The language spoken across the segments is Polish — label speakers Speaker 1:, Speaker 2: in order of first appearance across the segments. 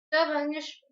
Speaker 1: Dobra,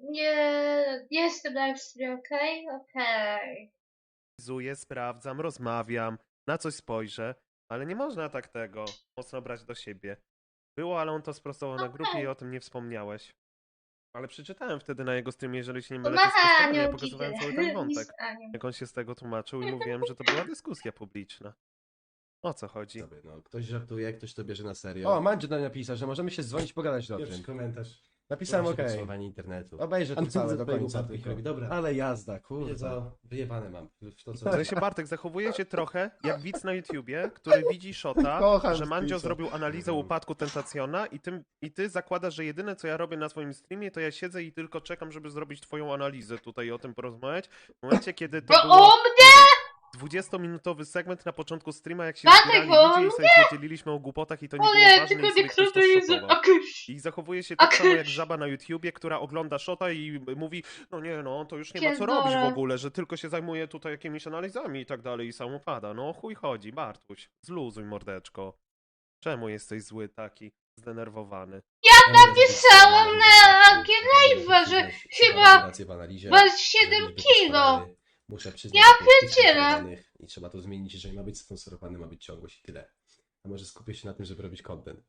Speaker 1: nie jestem na streamie, okej? Okej.
Speaker 2: Sprawdzam, rozmawiam, na coś spojrzę, ale nie można tak tego mocno brać do siebie. Było, ale on to sprostował na grupie i o tym nie wspomniałeś. Ale przeczytałem wtedy na jego streamie, jeżeli się nie mylę, to
Speaker 1: Pomacha
Speaker 2: sprostowanie, ja
Speaker 1: anioł
Speaker 2: pokazywałem
Speaker 1: giga.
Speaker 2: cały ten
Speaker 1: Miss
Speaker 2: wątek,
Speaker 1: anioł.
Speaker 2: jak on się z tego tłumaczył i mówiłem, że to była dyskusja publiczna. O co chodzi?
Speaker 3: Sobie, no, ktoś żartuje, ktoś to bierze na serio.
Speaker 4: O, Mandzio nam napisał, że możemy się dzwonić, pogadać o
Speaker 3: Pierwszy
Speaker 4: tym.
Speaker 3: komentarz.
Speaker 4: Napisałem
Speaker 3: Właśnie
Speaker 4: okej.
Speaker 3: podsumowanie internetu.
Speaker 4: Obejrzę to
Speaker 3: A
Speaker 4: całe
Speaker 3: co
Speaker 4: do
Speaker 3: twojego
Speaker 4: końca
Speaker 3: upadku
Speaker 4: tylko.
Speaker 3: robi? Dobra.
Speaker 4: Ale jazda,
Speaker 3: Wiecie
Speaker 4: kurwa.
Speaker 3: co? Wyjebane mam. W to,
Speaker 2: W
Speaker 3: co...
Speaker 2: sensie Bartek, zachowuje się trochę jak widz na YouTubie, który widzi Shota,
Speaker 4: Kocham
Speaker 2: że Mandzio
Speaker 4: Spisa.
Speaker 2: zrobił analizę upadku Tentacjona i ty zakładasz, że jedyne co ja robię na swoim streamie, to ja siedzę i tylko czekam, żeby zrobić twoją analizę tutaj i o tym porozmawiać. W momencie, kiedy to
Speaker 1: Bo
Speaker 2: było
Speaker 1: o mnie!
Speaker 2: 20-minutowy segment na początku streama, jak się
Speaker 1: Bartek,
Speaker 2: zbierali
Speaker 1: bo
Speaker 2: ludzie i sobie podzieliliśmy o głupotach i to nie było
Speaker 1: Ale
Speaker 2: ważne
Speaker 1: tylko
Speaker 2: i sobie
Speaker 1: nie
Speaker 2: ktoś to
Speaker 1: krótko jest
Speaker 2: shotował.
Speaker 1: akuś.
Speaker 2: I zachowuje się tak
Speaker 1: A
Speaker 2: samo jak
Speaker 1: kysz.
Speaker 2: żaba na YouTubie, która ogląda Shota i mówi, no nie no, to już nie ma co
Speaker 1: Pierdolę.
Speaker 2: robić w ogóle, że tylko się zajmuje tutaj jakimiś analizami i tak dalej i sam upada. No chuj chodzi, Bartuś, zluzuj mordeczko. Czemu jesteś zły taki, zdenerwowany?
Speaker 1: Napisałam na Live'a, że chyba
Speaker 3: w analizie,
Speaker 1: masz 7
Speaker 3: że liczby
Speaker 1: kilo.
Speaker 3: poszkodowanych. Muszę przyznać,
Speaker 1: Ja
Speaker 3: że to jest
Speaker 1: pierdzielę.
Speaker 3: poszkodowanych i trzeba to zmienić, jeżeli ma być sponsorowany, ma być ciągłość i tyle. A może skupię się na tym, żeby robić content.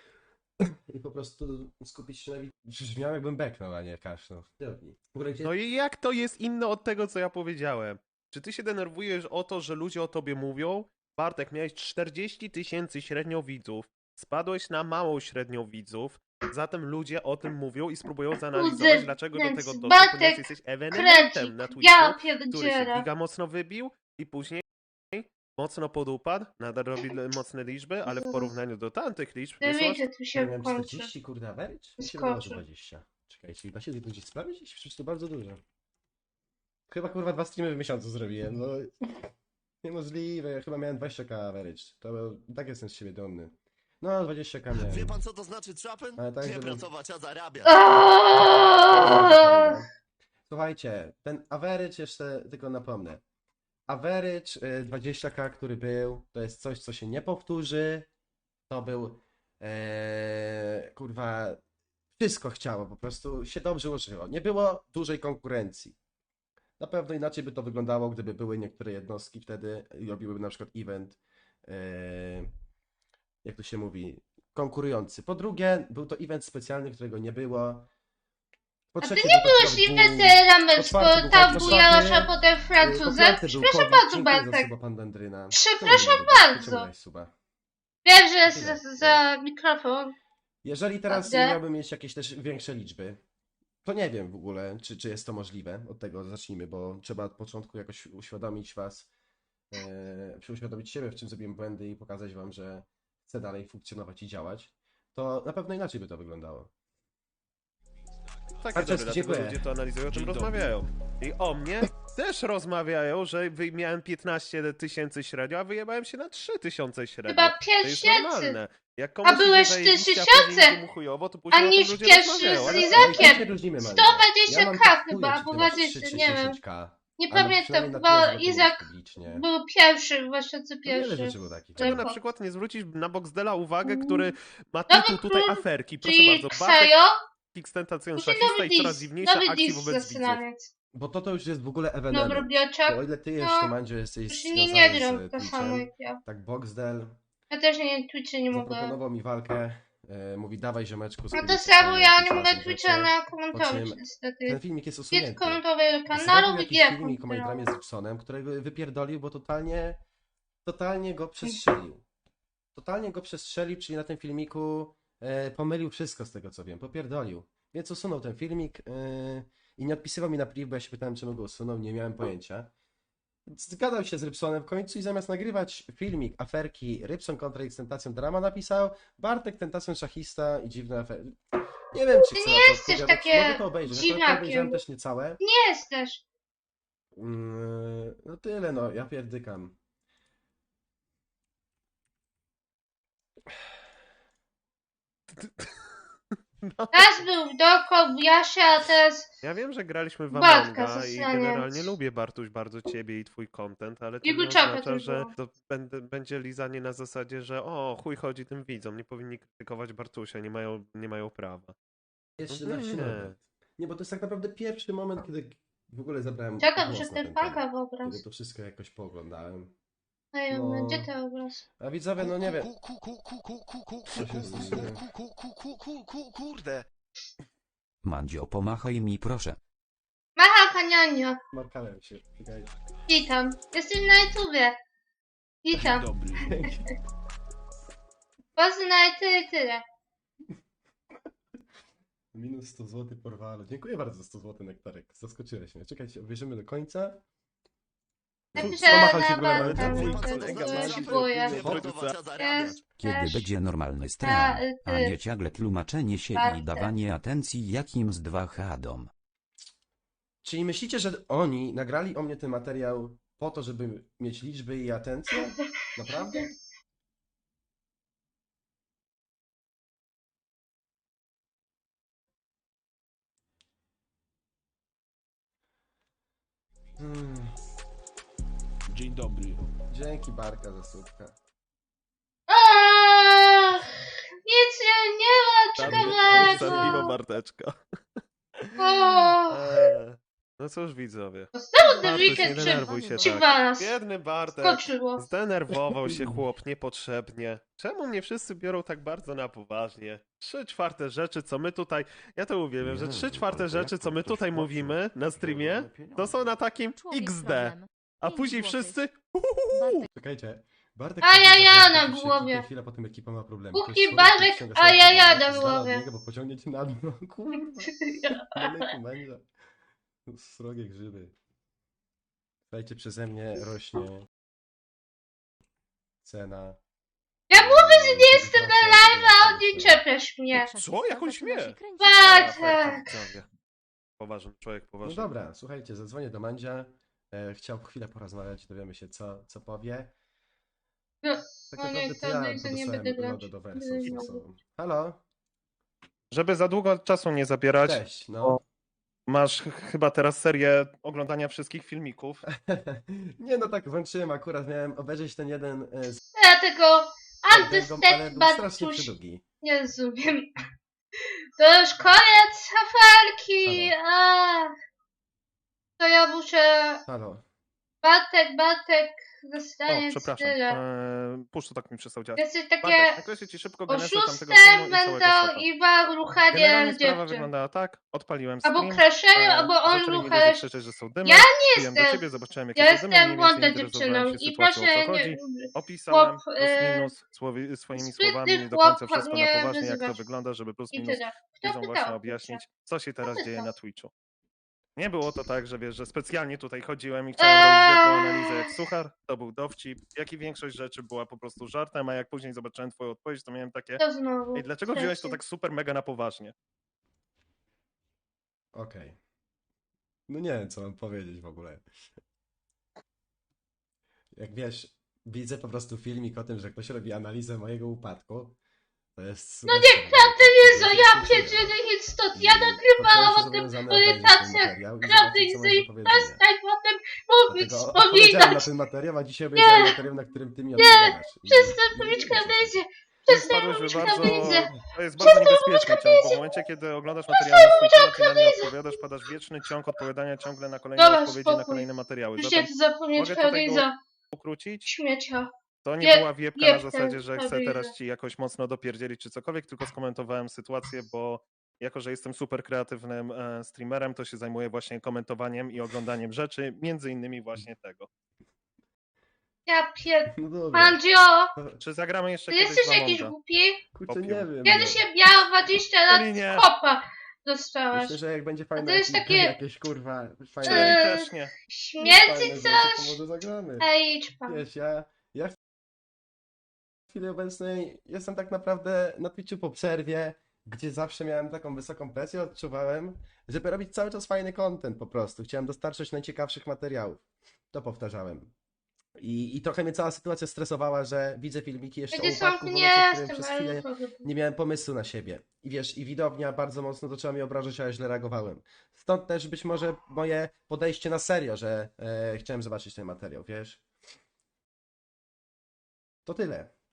Speaker 3: I po prostu skupić się na...
Speaker 4: Brzmiał jakbym beknął, a nie kaszlał.
Speaker 3: widowni. W ogóle gdzie...
Speaker 2: No i jak to jest inne od tego, co ja powiedziałem? Czy ty się denerwujesz o to, że ludzie o tobie mówią? Bartek, miałeś 40 000 średnio widzów, spadłeś na małą średnią widzów, zatem ludzie o tym mówią i spróbują zanalizować,
Speaker 1: Kurde,
Speaker 2: dlaczego do tego doszło,
Speaker 1: Bartek,
Speaker 2: ponieważ jesteś
Speaker 1: Krecik,
Speaker 2: ewenementem na Twitchu,
Speaker 1: ja
Speaker 2: który się
Speaker 1: pierdzielę.
Speaker 2: giga mocno wybił i później mocno podupadł, nadal robi mocne liczby, ale w porównaniu do tamtych liczb wyszło
Speaker 1: Wiecie, tu się
Speaker 3: Miałem
Speaker 1: kończy.
Speaker 3: 40, kurde, average? Mi się wydawało, że
Speaker 1: Skoczy.
Speaker 3: 20. Czekajcie, da się to gdzieś sprawdzić?
Speaker 4: Przecież to bardzo dużo. Chyba kurwa 2 streamy w miesiącu zrobiłem, no. Niemożliwe, ja chyba miałem 20k average. To tak jestem z siebie dumny. No, 20k miałem.
Speaker 5: Wie pan co to znaczy trapen?
Speaker 4: Ale tak,
Speaker 5: Nie
Speaker 4: żeby-
Speaker 5: pracować, a zarabiać.
Speaker 1: Aaaa!
Speaker 4: Słuchajcie, ten average jeszcze tylko napomnę. Average 20k, który był, to jest coś, co się nie powtórzy. To był kurwa, wszystko chciało, po prostu się dobrze użyło. Nie było dużej konkurencji. Na pewno inaczej by to wyglądało, gdyby były niektóre jednostki wtedy i robiłyby na przykład event, jak to się mówi, konkurujący. Po drugie, był to event specjalny, którego nie było. Po
Speaker 1: A ty
Speaker 4: trzecie,
Speaker 1: nie
Speaker 4: był to
Speaker 1: byłeś
Speaker 4: chyba
Speaker 1: inwesterem,
Speaker 4: po czwarte był
Speaker 1: tam
Speaker 4: fight, po
Speaker 1: bujała
Speaker 4: czwarte,
Speaker 1: a potem
Speaker 4: po
Speaker 1: Francuzem?
Speaker 4: piąte był
Speaker 1: Przepraszam
Speaker 4: COVID.
Speaker 1: bardzo,
Speaker 4: Dziękuję za
Speaker 1: Bartek.
Speaker 4: suba, pan Dendryna.
Speaker 1: Przepraszam
Speaker 4: Czemu nie lubisz?
Speaker 1: bardzo.
Speaker 4: Czemu dałeś suba?
Speaker 1: Wiem, że jest
Speaker 4: Tyle.
Speaker 1: za mikrofon.
Speaker 4: Jeżeli teraz
Speaker 1: Dobrze.
Speaker 4: miałbym mieć jakieś też większe liczby, to nie wiem w ogóle, czy jest to możliwe. Od tego zacznijmy, bo trzeba od początku jakoś uświadomić was, uświadomić siebie, w czym zrobiłem błędy i pokazać wam, że chcę dalej funkcjonować i działać. To na pewno inaczej by to wyglądało.
Speaker 2: Takie
Speaker 4: Bardzo
Speaker 2: dobre, dlatego
Speaker 4: dziękuję.
Speaker 2: ludzie to analizują, o tym
Speaker 5: Dzień dobry.
Speaker 2: rozmawiają. I o mnie też rozmawiają, że miałem 15 000 średnio, a wyjebałem się na 3000 średnio.
Speaker 1: Chyba
Speaker 2: To
Speaker 1: 5
Speaker 2: jest
Speaker 1: tysięcy.
Speaker 2: normalne. Jak komuś idzie
Speaker 1: byłeś
Speaker 2: zajebiście,
Speaker 1: 3000,
Speaker 2: później idzie mu chujowo, to później
Speaker 1: a
Speaker 2: o tym
Speaker 1: niż
Speaker 2: ludzie
Speaker 1: pierwszy
Speaker 2: rozmawiają.
Speaker 1: z
Speaker 2: Ale-
Speaker 1: Lizakiem.
Speaker 4: Ale i tak się różnimy, Mandzio.
Speaker 1: 120K
Speaker 4: Ja mam tak chuja,
Speaker 1: chyba,
Speaker 4: czy ty
Speaker 1: bo
Speaker 4: masz
Speaker 1: 20,
Speaker 4: 3 czy
Speaker 1: nie wiem.
Speaker 4: 10K.
Speaker 1: Nie
Speaker 4: Ale
Speaker 1: pamiętam,
Speaker 4: przynajmniej na
Speaker 1: chyba
Speaker 4: tyle, żeby to
Speaker 1: Izak
Speaker 4: mówić publicznie.
Speaker 1: był pierwszy, w
Speaker 4: To
Speaker 1: 2001.
Speaker 4: wiele rzeczy było takich.
Speaker 2: Czemu
Speaker 1: Tylko.
Speaker 2: na przykład nie zwrócić na Boxdela uwagę, który ma
Speaker 1: Nowy
Speaker 2: tytuł tutaj
Speaker 1: król,
Speaker 2: aferki? Proszę
Speaker 1: Czyli
Speaker 2: bardzo, Bartek
Speaker 1: Ksajo,
Speaker 2: Xtentacja
Speaker 1: musi
Speaker 2: szachista
Speaker 1: nowy
Speaker 2: i coraz
Speaker 1: dis,
Speaker 2: dziwniejsza
Speaker 1: nowy
Speaker 2: akcji
Speaker 1: dis
Speaker 2: wobec widzów.
Speaker 1: zastanawiać.
Speaker 4: Bo to już jest w ogóle
Speaker 1: Nowy
Speaker 4: ewenement.
Speaker 1: robiaczek.
Speaker 4: Bo o ile ty
Speaker 1: No,
Speaker 4: jeszcze, Mandzio, jesteś
Speaker 1: już nie, nie
Speaker 4: związany
Speaker 1: gram
Speaker 4: z
Speaker 1: tak samo
Speaker 4: Twitchem,
Speaker 1: jak ja.
Speaker 4: tak Boxdel
Speaker 1: Ja też nie Twitcha nie mogę.
Speaker 4: zaproponował mi walkę, mówi dawaj ziomeczku,
Speaker 1: No
Speaker 4: zrobimy
Speaker 1: to
Speaker 4: coś
Speaker 1: samo,
Speaker 4: fajnego,
Speaker 1: ja
Speaker 4: jakieś
Speaker 1: nie mogę
Speaker 4: razem
Speaker 1: Twitcha
Speaker 4: rzeczy.
Speaker 1: na
Speaker 4: Po
Speaker 1: komentować
Speaker 4: czym
Speaker 1: niestety.
Speaker 4: Ten filmik jest
Speaker 1: Jest
Speaker 4: usunięty.
Speaker 1: komentowego kanału
Speaker 4: Zrobił
Speaker 1: i
Speaker 4: jakiś
Speaker 1: ja
Speaker 4: filmik o mojej dramie z Gibsonem, którego wypierdolił, bo totalnie go przestrzelił. Totalnie go przestrzelił, czyli na tym filmiku pomylił wszystko z tego co wiem, popierdolił. Więc usunął ten filmik i nie odpisywał mi na priv, bo ja się pytałem czemu go usunął, nie miałem pojęcia. Zgadał się z Rybsonem w końcu i zamiast nagrywać filmik aferki Rybson kontra X-Tentacją Drama napisał Bartek Tentacją Szachista i dziwne afery. Nie wiem czy
Speaker 1: Ty
Speaker 4: chcę
Speaker 1: nie
Speaker 4: na to
Speaker 1: jesteś
Speaker 4: odpowiadać.
Speaker 1: takie
Speaker 4: Mogę to obejrzeć, akurat to
Speaker 1: dziwakiem.
Speaker 4: obejrzałem też niecałe.
Speaker 1: Nie jesteś.
Speaker 4: No tyle no, ja pierdykam.
Speaker 2: No.
Speaker 1: Raz był w Doko, w Jasie, a teraz
Speaker 2: Ja wiem, że graliśmy w
Speaker 1: Bartka,
Speaker 2: Amonga i
Speaker 1: zasraniec.
Speaker 2: generalnie lubię, Bartuś, bardzo ciebie i twój content, ale to
Speaker 1: Jego
Speaker 2: nie
Speaker 1: czapę
Speaker 2: oznacza,
Speaker 1: też
Speaker 2: że
Speaker 1: było.
Speaker 2: to będzie lizanie na zasadzie, że o, chuj chodzi tym widzom, nie powinni krytykować Bartusia, nie mają prawa.
Speaker 3: Jeszcze
Speaker 2: No
Speaker 3: na
Speaker 2: nie.
Speaker 3: środę.
Speaker 4: Nie, bo to jest tak naprawdę pierwszy moment, kiedy w ogóle zabrałem
Speaker 1: Czekam,
Speaker 4: głos
Speaker 1: że
Speaker 4: na
Speaker 1: ten
Speaker 4: ten temat.
Speaker 1: faka w obraz.
Speaker 4: Kiedy to wszystko jakoś pooglądałem.
Speaker 1: Ej,
Speaker 4: No.
Speaker 1: gdzie ten obraz?
Speaker 4: A widzowie, no nie wiem.
Speaker 5: Kurde.
Speaker 6: Mandzio, pomachaj mi proszę.
Speaker 1: Macha Kanionio.
Speaker 4: Markałem się. Czekajcie.
Speaker 1: Witam. Jesteś na YouTubie. Witam. Poznaj tyle, tyle.
Speaker 4: Minus 100 zł porwalu. Dziękuję bardzo za 100 zł, Nektarek. Zaskoczyłeś mnie. Czekajcie, obejrzymy do końca.
Speaker 1: Napiszę
Speaker 4: Pomachał się
Speaker 1: na
Speaker 4: w ogóle
Speaker 1: bank,
Speaker 4: na
Speaker 1: tam,
Speaker 4: YouTube.
Speaker 1: że
Speaker 2: Kolega
Speaker 1: to
Speaker 2: ma
Speaker 1: kupuję.
Speaker 5: Próbować zarabiać.
Speaker 1: Jest
Speaker 6: Kiedy
Speaker 1: też
Speaker 6: będzie normalny
Speaker 1: ta,
Speaker 6: stream, a
Speaker 1: ty.
Speaker 6: nie ciągle tłumaczenie się
Speaker 1: Bartek.
Speaker 6: i dawanie atencji jakimś dwa hadom.
Speaker 4: Czyli myślicie, że oni nagrali o mnie ten materiał po to, żeby mieć liczby i atencję? Naprawdę?
Speaker 7: Dzień dobry.
Speaker 4: Dzięki Barka za słupkę.
Speaker 1: Ach, nic nie ma,
Speaker 2: Zabiło
Speaker 1: ciekawego.
Speaker 2: Barteczka.
Speaker 1: O,
Speaker 2: No cóż, widzowie.
Speaker 1: znowu ten
Speaker 2: Bartuś, nie
Speaker 1: weekend
Speaker 2: denerwuj się
Speaker 1: przy
Speaker 2: tak.
Speaker 1: was
Speaker 2: Biedny Bartek.
Speaker 1: skoczyło.
Speaker 2: Zdenerwował się chłop niepotrzebnie. Czemu mnie wszyscy biorą tak bardzo na poważnie? 3/4 rzeczy, co my tutaj... Ja to uwielbiam, że 3/4 rzeczy, co my tutaj mówimy na streamie, to są na takim XD. A później wszyscy...
Speaker 4: Czekajcie. Bartek
Speaker 1: Ajaja
Speaker 4: powiedział,
Speaker 1: na
Speaker 4: że się
Speaker 1: głowie.
Speaker 4: kilka chwilę potem ekipa ma problemy.
Speaker 1: Kuki,
Speaker 4: To jest człowiek,
Speaker 1: Bartek,
Speaker 4: który ściąga sobie
Speaker 1: ajaja
Speaker 4: problemy,
Speaker 1: na
Speaker 4: z dala od
Speaker 1: głowie.
Speaker 4: niego, bo pociągniecie na dno. Kurwa. Daleko będzie. Srogie grzyby. Słuchajcie, przeze mnie rośnie cena.
Speaker 1: Ja mówię, że nie jestem na live, a on nie czepiasz mnie.
Speaker 2: Co? Jak on śmie?
Speaker 1: Bartek.
Speaker 2: Poważny człowiek,
Speaker 4: No
Speaker 2: poważny.
Speaker 4: dobra, słuchajcie, zadzwonię do Mandzia. Chciał chwilę porozmawiać, dowiemy się co powie.
Speaker 1: No,
Speaker 4: Tak
Speaker 1: no nie,
Speaker 4: naprawdę
Speaker 1: to
Speaker 4: to ja
Speaker 1: nie, to nie
Speaker 4: podesłałem
Speaker 1: będę grać.
Speaker 4: lodę do wersów
Speaker 1: Nie
Speaker 4: z
Speaker 1: mogę.
Speaker 4: osobą. Halo?
Speaker 2: Żeby za długo czasu nie zabierać,
Speaker 4: Cześć, no.
Speaker 2: masz chyba teraz serię oglądania wszystkich filmików.
Speaker 4: Nie no tak, włączyłem akurat, miałem obejrzeć ten jeden z
Speaker 1: Ja tego
Speaker 4: tego, ale
Speaker 1: Understand
Speaker 4: był strasznie
Speaker 1: Bartuś
Speaker 4: przydługi.
Speaker 1: nie rozumiem. To już koniec aferki. Ach. To ja muszę...
Speaker 4: Halo.
Speaker 1: Bartek
Speaker 2: O,
Speaker 1: dostanie
Speaker 2: przepraszam.
Speaker 1: tyle.
Speaker 2: Puszcz to tak mi przestał działać.
Speaker 1: Jesteś takie
Speaker 2: Bartek, nakreślę ci szybko genezę tamtego
Speaker 1: oszustem
Speaker 2: filmu i całego
Speaker 1: będą
Speaker 2: świata.
Speaker 1: i
Speaker 2: Generalnie
Speaker 1: ruchanie
Speaker 2: sprawa
Speaker 1: dziewczyn.
Speaker 2: wyglądała tak, odpaliłem
Speaker 1: Albo
Speaker 2: stream,
Speaker 1: crashery, albo on
Speaker 2: zaczęli mi ludzie
Speaker 1: ruchasz.
Speaker 2: krzyczeć, że są dymy,
Speaker 1: Ja
Speaker 2: wbiłem do
Speaker 1: jestem-
Speaker 2: ciebie, zobaczyłem jakie
Speaker 1: Ja
Speaker 2: są dymy, mniej
Speaker 1: jestem
Speaker 2: więcej
Speaker 1: młodą
Speaker 2: interesowałem
Speaker 1: dziewczyną
Speaker 2: się
Speaker 1: i
Speaker 2: sytuacją, o
Speaker 1: proszę
Speaker 2: co chodzi.
Speaker 1: nie...
Speaker 2: Opisałem
Speaker 1: chłop,
Speaker 2: plus minus swoimi
Speaker 1: sprytny
Speaker 2: słowami, nie do końca
Speaker 1: chłop
Speaker 2: wszystko na
Speaker 1: mnie
Speaker 2: poważnie, jak to
Speaker 1: wyzywasz.
Speaker 2: wygląda, żeby plus
Speaker 1: I
Speaker 2: minus
Speaker 1: tyle. Kto
Speaker 2: widzom
Speaker 1: pytał?
Speaker 2: właśnie objaśnić, co się teraz
Speaker 1: Kto
Speaker 2: dzieje
Speaker 1: pytał?
Speaker 2: na Twitchu. Nie było to tak, że wiesz, że specjalnie tutaj chodziłem i chciałem robić wielką analizę jak suchar, to był dowcip, jak i większość rzeczy była po prostu żartem, a jak później zobaczyłem twoją odpowiedź, to miałem takie,
Speaker 1: To znowu.
Speaker 2: ej, dlaczego wziąłeś to
Speaker 1: Trzeci.
Speaker 2: tak super mega na poważnie?
Speaker 4: Okej. No nie wiem, co mam powiedzieć w ogóle. Jak wiesz, widzę po prostu filmik o tym, że ktoś robi analizę mojego upadku. To jest...
Speaker 1: No nieprawda jest, że ja pierdzielę nic stąd. Ja nagrywałam o tym orientacjach. Prawdy i przestań potem mówić,
Speaker 4: Odpowiedziałem na
Speaker 1: wspominać.
Speaker 4: ten materiał, a dzisiaj obejrzałem materiał, na którym ty mi odpowiadasz. I-
Speaker 1: Przestań
Speaker 4: i-
Speaker 1: mówić
Speaker 4: i-
Speaker 1: krawędzie. Przestań
Speaker 2: Wpadłeś
Speaker 1: mówić
Speaker 2: w bardzo,
Speaker 1: krawędzie.
Speaker 2: to jest bardzo niebezpieczny ciąg, bo w momencie, kiedy oglądasz materiały na swój temat i na nie odpowiadasz, padasz w wieczny ciąg odpowiadania ciągle na kolejne
Speaker 1: Dobra,
Speaker 2: odpowiedzi na
Speaker 1: spokój.
Speaker 2: kolejne materiały.
Speaker 1: Już
Speaker 2: Zatem
Speaker 1: się zapomnieć
Speaker 2: mogę tutaj
Speaker 1: krawędza.
Speaker 2: ukrócić,
Speaker 1: Śmiecia.
Speaker 2: to nie
Speaker 1: Jeb-
Speaker 2: była wiepka na
Speaker 1: jebkę
Speaker 2: zasadzie, że chcę
Speaker 1: krawędzia.
Speaker 2: teraz ci jakoś mocno dopierdzielić czy cokolwiek, tylko skomentowałem sytuację, bo jako, że jestem super kreatywnym streamerem, to się zajmuję właśnie komentowaniem i oglądaniem rzeczy, między innymi właśnie tego.
Speaker 1: Ja pier...
Speaker 4: No dobra.
Speaker 1: Mandzio,
Speaker 2: Czy zagramy jeszcze
Speaker 1: ty
Speaker 2: kiedyś
Speaker 1: jesteś
Speaker 2: w
Speaker 1: jakiś
Speaker 2: Amonga?
Speaker 1: głupi?
Speaker 4: Kurczę, nie
Speaker 2: Popiół.
Speaker 4: wiem.
Speaker 1: Kiedyś
Speaker 4: no.
Speaker 1: się miała 20 lat
Speaker 2: Czyli nie.
Speaker 1: z kopa dostałaś.
Speaker 4: Myślę, że jak będzie fajne
Speaker 1: to jest
Speaker 4: jakieś,
Speaker 1: takie-
Speaker 4: jakieś kurwa
Speaker 2: Czyli
Speaker 4: fajne,
Speaker 2: też nie.
Speaker 1: Śmierdzi
Speaker 4: fajne rzeczy, to
Speaker 1: coś?
Speaker 4: może zagramy.
Speaker 1: Ej, idź pan.
Speaker 4: Wiesz, ja w chwili obecnej jestem tak naprawdę na Twitchu po przerwie, gdzie zawsze miałem taką wysoką presję, odczuwałem, żeby robić cały czas fajny content po prostu. Chciałem dostarczyć najciekawszych materiałów. To powtarzałem. I trochę mnie cała sytuacja stresowała, że widzę filmiki jeszcze o
Speaker 1: Będzie
Speaker 4: upadku,
Speaker 1: są
Speaker 4: w
Speaker 1: nie
Speaker 4: momencie, w którym
Speaker 1: jestem,
Speaker 4: przez
Speaker 1: ale
Speaker 4: chwilę
Speaker 1: powiem.
Speaker 4: nie miałem pomysłu na siebie. I wiesz, i widownia bardzo mocno zaczęła mnie obrażać, a ja źle reagowałem. Stąd też być może moje podejście na serio, że chciałem zobaczyć ten materiał, wiesz? To tyle.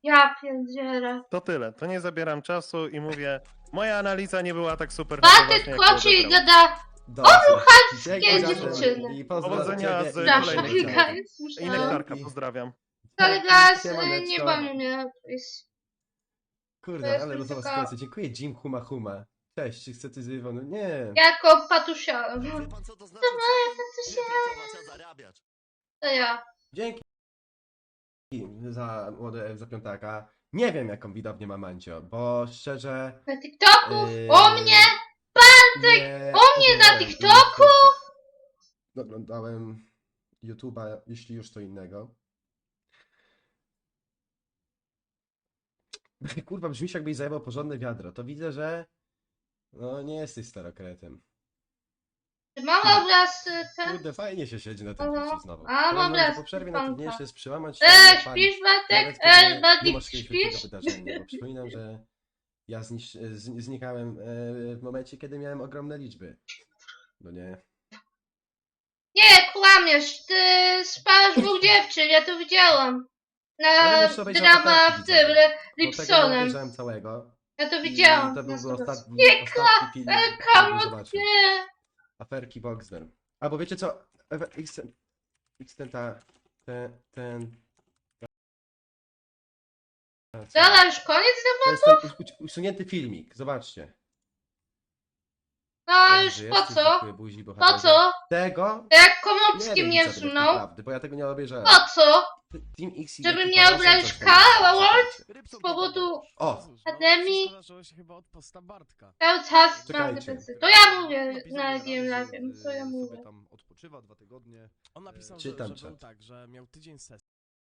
Speaker 1: Ja pierdzielę.
Speaker 2: To tyle, to nie zabieram czasu i mówię, moja analiza nie była tak super.
Speaker 1: Bartek
Speaker 2: jak
Speaker 1: kłaczy i
Speaker 2: odebrał.
Speaker 1: gada.
Speaker 4: Dobrze.
Speaker 1: dziewczyny.
Speaker 4: I pozdro
Speaker 2: Powodzenia
Speaker 4: ciebie
Speaker 2: z
Speaker 4: i
Speaker 1: Przepraszam,
Speaker 2: kolejnym
Speaker 4: powodzenia.
Speaker 1: guys,
Speaker 2: I
Speaker 1: muszę...
Speaker 2: nektarka, pozdrawiam.
Speaker 1: Ale guys,
Speaker 4: Siemaneczko.
Speaker 1: nie bawię mnie, please. To
Speaker 4: Kurde,
Speaker 1: jest
Speaker 4: ale
Speaker 1: już
Speaker 4: losowa
Speaker 1: taka-
Speaker 4: sytuacja. Dziękuję, Jim Huma Huma. Cześć, czy chcę coś z No nie.
Speaker 1: Jako patusia.
Speaker 5: Wie pan co to znaczy trapen? Nie pracować, a zarabiać.
Speaker 1: To ja.
Speaker 4: Dzięki za piątaka. Nie wiem, jaką widownię ma Mancio, bo szczerze...
Speaker 1: Na TikToku?
Speaker 4: Yy,
Speaker 1: O mnie?
Speaker 4: nie
Speaker 1: o mnie na
Speaker 4: oglądałem
Speaker 1: TikToku?
Speaker 4: innych twórców. Oglądałem YouTube'a, jeśli już to innego. Kurwa, brzmisz jakbyś zajmował porządne wiadro. To widzę, że... No, nie jesteś starokretem.
Speaker 1: Mam obraz ten?
Speaker 4: Kurde, fajnie się siedzi na tym
Speaker 1: Aha.
Speaker 4: Twitchu znowu.
Speaker 1: A, mam
Speaker 4: Powiem wam, że
Speaker 1: raz,
Speaker 4: po przerwie
Speaker 1: fanka.
Speaker 4: najtrudniejsze jest przełamać się na
Speaker 1: Śpisz
Speaker 4: nawet
Speaker 1: Bartek?
Speaker 4: kiedy nie
Speaker 1: Bartek,
Speaker 4: masz jakiegoś wielkiego
Speaker 1: śpisz?
Speaker 4: wydarzenia, bo przypominam, że ja znikałem w momencie, kiedy miałem ogromne liczby. No nie.
Speaker 1: Nie, kłamiesz. Ty spałeś dwóch dziewczyn, ja to widziałam.
Speaker 4: Ja
Speaker 1: Na
Speaker 4: bym jeszcze obejrzał
Speaker 1: drama
Speaker 4: aferki,
Speaker 1: w tym,
Speaker 4: widzowie. Bo tego nie
Speaker 1: Lipsonem.
Speaker 4: obejrzałem całego.
Speaker 1: Ja to
Speaker 4: I
Speaker 1: widziałam.
Speaker 4: to
Speaker 1: na
Speaker 4: byłby
Speaker 1: 100%.
Speaker 4: ostatni film,
Speaker 1: Come
Speaker 4: który
Speaker 1: on,
Speaker 4: zobaczył.
Speaker 1: nie.
Speaker 4: Aferki Boxner. Albo wiecie co? Ten...
Speaker 1: Dobra, już koniec?
Speaker 4: To jest ten usunięty filmik, zobaczcie.
Speaker 1: No już
Speaker 4: Żyjesz,
Speaker 1: po
Speaker 4: czy
Speaker 1: co?
Speaker 4: dziękuję buzi,
Speaker 1: Po
Speaker 4: bohaterze.
Speaker 1: co?
Speaker 4: Tego?
Speaker 1: To jak
Speaker 4: Nie
Speaker 1: Komorowski
Speaker 4: wiem,
Speaker 1: mnie
Speaker 4: widzowie, tak
Speaker 1: wsunął.
Speaker 4: naprawdę, bo ja tego nie obejrzałem.
Speaker 1: Po co?
Speaker 4: Team X i
Speaker 1: Żeby
Speaker 4: Yeti
Speaker 1: mnie
Speaker 4: Palace
Speaker 1: obrać
Speaker 4: coś tam
Speaker 1: Karl
Speaker 4: jest.
Speaker 1: Award?
Speaker 5: Rybson
Speaker 1: Z powodu
Speaker 4: O!
Speaker 1: pandemii?
Speaker 7: Wszystko zaczęło się chyba od posta Bartka.
Speaker 1: Cały czas mam
Speaker 4: Czekajcie.
Speaker 1: depresję. To ja mówię na Game Live, to ja mówię.
Speaker 8: tam odpoczywa 2 tygodnie.
Speaker 7: On napisał,
Speaker 4: Czytam
Speaker 7: że
Speaker 4: czat.
Speaker 7: był tak, że miał tydzień sesji.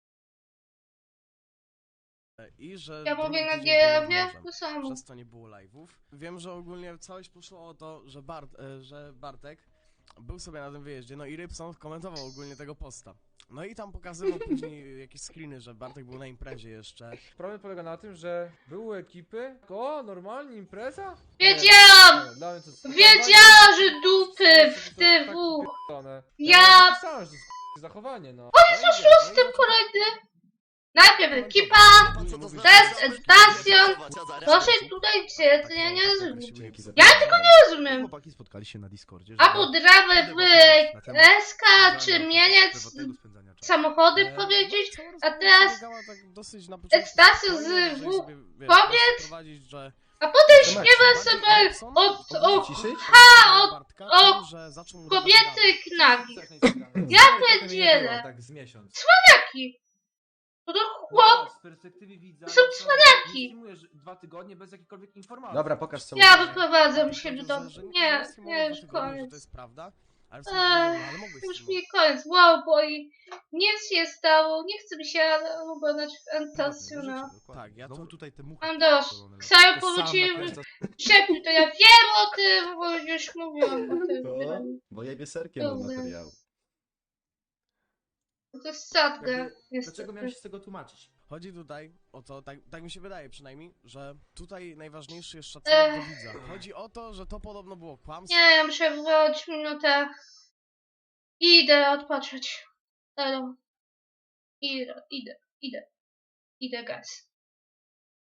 Speaker 7: I że
Speaker 1: Ja
Speaker 7: drugi
Speaker 1: mówię na
Speaker 7: tydzień był nad
Speaker 1: Game
Speaker 7: morzem.
Speaker 1: to samo.
Speaker 7: Przez to nie było live'ów. Wiem, że ogólnie całość poszło o to, że Bartek był sobie na tym wyjeździe, no i Rybson komentował ogólnie tego posta. No i tam pokazywał później jakieś screeny, że Bartek był na imprezie jeszcze.
Speaker 9: Problem polega na tym, że były ekipy. O, normalnie impreza?
Speaker 1: Wiedziałam!
Speaker 9: Nie, dla mnie to jest
Speaker 1: Wiedziałam, że dupy w
Speaker 9: tak
Speaker 1: TW.
Speaker 9: pierdolone.
Speaker 1: Ja-
Speaker 9: napisałem, że to jest zachowanie, no.
Speaker 1: Z tym kolejny. Najpierw ekipa,
Speaker 5: Wie pan co to znaczy
Speaker 1: test,
Speaker 5: trapen?
Speaker 1: stacją.
Speaker 5: Nie pracować, a zarabiać.
Speaker 1: Proszę tutaj gdzie, to ja nie rozumiem.
Speaker 4: Dzięki za
Speaker 1: Ja
Speaker 4: pytanie.
Speaker 1: tylko nie rozumiem.
Speaker 8: Chłopaki spotkali się na Discordzie,
Speaker 1: Albo dramę w SK, czy mieniec samochody powiedzieć, a teraz stacją z kobiet, a potem śpiewa sobie o
Speaker 4: Ciszyć?
Speaker 1: kobiety knagi. Ja pierdzielę.
Speaker 9: Tak z miesiąc.
Speaker 1: Cwaniaki. To chłop,
Speaker 9: Z perspektywy widza.
Speaker 1: to są cwaniaki.
Speaker 9: Streamujesz 2 tygodnie bez jakiejkolwiek informacji.
Speaker 4: Dobra, pokaż co
Speaker 1: Ja
Speaker 4: mówisz.
Speaker 1: wyprowadzam się do domu. Nie, nie, już
Speaker 7: To
Speaker 1: koniec.
Speaker 7: jest prawda, ale
Speaker 1: Już mi koniec. Wow, bo i nic się stało. Nie chcę mi się oglądać w Entasiona.
Speaker 7: Tak, ja
Speaker 8: Znowu
Speaker 7: to-
Speaker 8: tutaj te muchy.
Speaker 1: Mam dość. Ksajo powrócił szepnij, to ja wiem o tym, bo już mówiłam o tym.
Speaker 4: To? Bo jebie serkiem od materiału.
Speaker 1: To jest sadga,
Speaker 9: Dlaczego
Speaker 1: niestety.
Speaker 9: miałem się z tego tłumaczyć?
Speaker 7: Chodzi tutaj o to, tak mi się wydaje przynajmniej, że tutaj najważniejszy jest szacunek do widza. Chodzi o to, że to podobno było kłamstwo.
Speaker 1: Nie, ja muszę wywołać minutę. Idę odpocząć. Idę, guys.